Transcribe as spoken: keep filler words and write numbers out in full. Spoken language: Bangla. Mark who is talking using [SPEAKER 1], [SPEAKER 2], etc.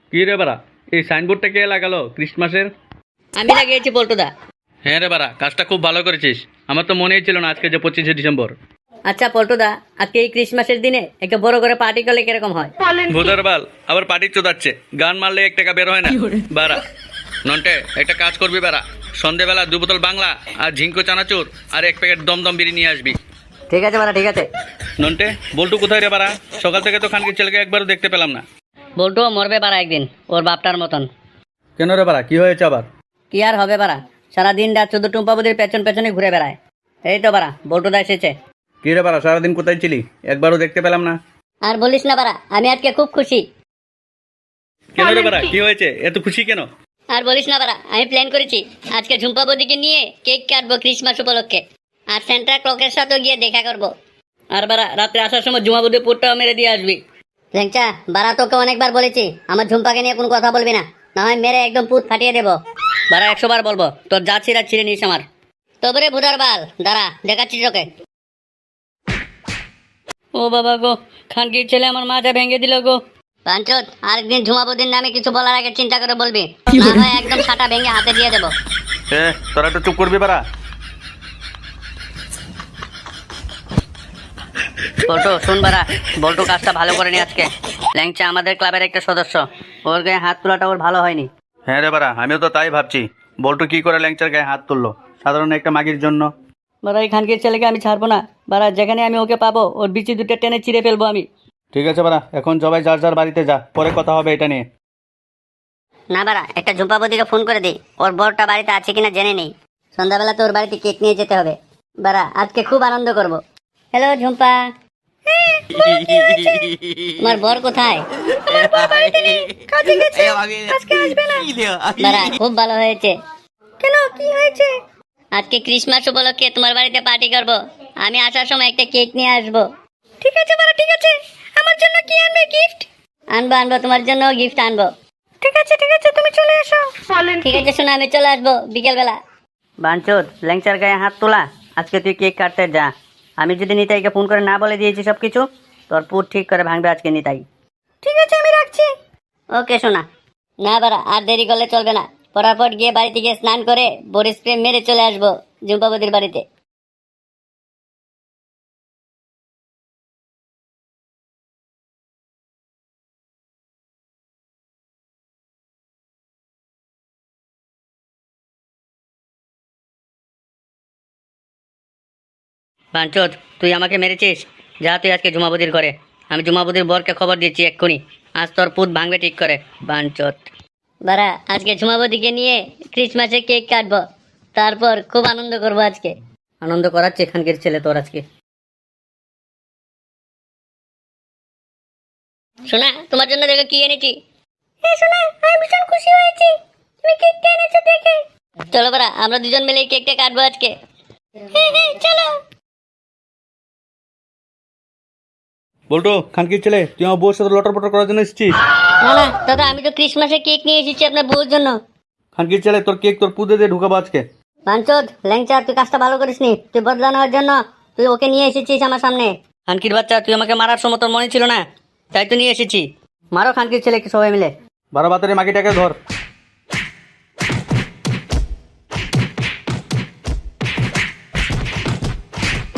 [SPEAKER 1] কি রে বাড়া, এই সাইনবোর্ডটা কে লাগালো ক্রিসমাসের?
[SPEAKER 2] আমি লাগিয়েছি পল্টুদা।
[SPEAKER 1] হ্যাঁ রে বাড়া, কাজটা খুব ভালো করেছিস। আমার তো মনেই ছিল না আজকে যে পঁচিশে ডিসেম্বর।
[SPEAKER 2] আচ্ছা পল্টুদা, আজকে এই ক্রিসমাসের দিনে একটা বড় করে পার্টি করলে কিরকম হয়?
[SPEAKER 1] ভোদার বাল, আবার পার্টি চোদাচ্ছে। গান মারলে এক টাকা বের হয় না বাড়া। নন্টে, একটা কাজ করবি বাড়া, সন্ধেবেলা দু বোতল বাংলা আর ঝিঙ্কো চানাচুর আর এক প্যাকেট দমদম বিড়ি নিয়ে আসবি।
[SPEAKER 2] ঠিক আছে বাড়া, ঠিক আছে।
[SPEAKER 1] নন্টে, বল্টু কোথায় রে বাড়া? সকাল থেকে তো খানকির ছেলেকে একবারও দেখতে পেলাম না।
[SPEAKER 2] বল্টুও মরবে বাড়া একদিন, ওর বাপটার মতন।
[SPEAKER 1] কেন রে বাড়া, কি হয়েছে আবার?
[SPEAKER 2] কি আর হবে বাড়া, সারাদিন রাত শুধু টুম্পা বুদির পেছন পেছনে ঘুরে বেড়ায়। এই তো বাড়া বল্টুদা এসেছে।
[SPEAKER 1] কি রে বাড়া, সারাদিন কোথায় ছিলি? একবারও দেখতে পেলাম না।
[SPEAKER 2] আর বলিস না বাড়া, আমি আজকে খুব খুশি।
[SPEAKER 1] কেন রে বাড়া, কি হয়েছে? এত খুশি কেন?
[SPEAKER 2] আর বলিস না বাড়া, আমি প্ল্যান করেছি আজকে ঝুম্পা বৌদিকে নিয়ে কেক কাটবো ক্রিসমাস উপলক্ষে, আর সেন্টা ক্লকের সাথেও গিয়ে দেখা করবো। আর বাড়া রাত্রে আসার সময় ঝুমা বৌদি পুরটাও মেরে দিয়ে আসবি। ল্যাংচা বাড়া, তোকে অনেকবার বলেছি আমার ঝুম্পাকে নিয়ে কোনো কথা বলবি না, না হয় মেরে একদম পুত ফাটিয়ে দেবো। বাড়া একশো বার বলবো, তোর যা ছিঁড়া ছিঁড়ে নিস আমার। তবে ভুদার বাল, দাঁড়া দেখাচ্ছি তোকে। ও বাবা গো, খানকির ছেলে আমার মাথা ভেঙে দিল গো। পাঞ্চত, আরেকদিন ঝুমাবুদ্দিন নামে কিছু বলার আগে চিন্তা করে বলবি, না হয় একদম ছাটা ভেঙে হাতে দিয়ে দেবো।
[SPEAKER 1] এ তোরা একটু চুপ করবি বাড়া।
[SPEAKER 2] বল্টু শুন বাড়া, বল্টু কাজটা ভালো করেনি আজকে। ল্যাংচা আমাদের ক্লাবের একটা সদস্য, ওর গায়ে হাত তোলাটা ওর ভালো হয়নি।
[SPEAKER 1] হ্যাঁ রে বাড়া, আমিও তো তাই ভাবছি। বল্টু কি করে ল্যাংচার গায়ে হাত তুললো সাধারণ একটা মাগির জন্য?
[SPEAKER 2] বাড়া এই খানকির ছেলেকে আমি ছাড়বো না বাড়া, যেখানে আমি ওকে পাবো ওর বিচি দুটো টেনে চিড়ে ফেলবো আমি।
[SPEAKER 1] ঠিক আছে বাড়া, এখন সবাই যার যার বাড়িতে যা, পরে কথা হবে এটা নিয়ে।
[SPEAKER 2] না বাড়া, একটা ঝুম্পাবদিকে ফোন করে দিই, ওর বরটা বাড়িতে আছে কিনা জেনে নেই। সন্ধ্যাবেলা তো ওর বাড়িতে কেক নিয়ে যেতে হবে। বাড়া আজকে খুব আনন্দ করব। হ্যালো ঝুম্পা, তোমার বর কোথায়? বাড়া খুব ভালো হয়েছে। কেন, কি হয়েছে? আজকে ক্রিসমাস উপলক্ষে তোমার বাড়িতে পার্টি করব, আমি আসার সময় একটা কেক নিয়ে আসবো। ঠিক আছে বাড়া, ঠিক আছে। আমার জন্য কি আনবে গিফট? আনবো আনবো, তোমার জন্য গিফট আনবো। ঠিক আছে ঠিক আছে, তুমি চলে এসো। ঠিক আছে শোনা, আমি চলে আসবো বিকেল বেলা। বাঞ্চোদ, ল্যাংচার গায়ে হাত তোলা, আজকে তুই কেক কাটতে যা। আমি যদি নিতাইকে ফোন করে না বলে দিয়েছি সব কিছু, তোর পুর ঠিক করে ভাঙবে আজকে নিতাই। ঠিক আছে, আমি রাখছি। ওকে শোনা। না বাড়া, আর দেরি করলে চলবে না, ফটাফট গিয়ে বাড়িতে গিয়ে স্নান করে বডি স্প্রে মেরে চলে আসবো ঝুম্পাবতির বাড়িতে। বাঞ্চোদ, তুই আমাকে মেরেছিস, যা তুই আজকে ঝুমাবতির ঘরে। আমি ঝুমাবতির বরকে খবর দিচ্ছি এক্ষুনি, আজ তোর পুত ভাঙবে ঠিক করে। বাঞ্চোদ বাড়া, আজকে ঝুমাবতিকে নিয়ে ক্রিসমাসে কেক কাটবো, তারপর খুব আনন্দ করবো আজকে। আনন্দ করাচ্ছে এখানকার ছেলে তোর আজকে। শোনা, তোমার জন্য দেখো কি এনেছি। হ্যাঁ শোনা, আমি ভীষণ খুশি হয়েছি তুমি কেকটা এনেছো দেখে। চলো বাড়া, আমরা দুজন মিলে এই কেকটা কাটবো আজকে। হ্যাঁ হ্যাঁ চলো।
[SPEAKER 1] বল্টু, খানকির ছেলে, তুই আমার বউর সাথে লটর পটর করার জন্য এসেছিস?
[SPEAKER 2] না না দাদা, আমি তো ক্রিসমাসে কেক নিয়ে এসেছি আপনার বউর জন্য।
[SPEAKER 1] খানকির ছেলে, তোর কেক তোর পুদে দিয়ে ঢুকাবো আজকে।
[SPEAKER 2] বাঞ্চোদ, ল্যাংচা তুই কাজটা ভালো করিসনি, তুই বদলা নেওয়ার জন্য তুই ওকে নিয়ে এসেছিস আমার সামনে। খানকির বাচ্চা, তুই আমাকে মারার সময় তোর মনে ছিল না, তাই তো নিয়ে এসেছি। মারো খানকির ছেলেকে সবাই মিলে।
[SPEAKER 1] বারো বাতারে মাগিটাকে ধর।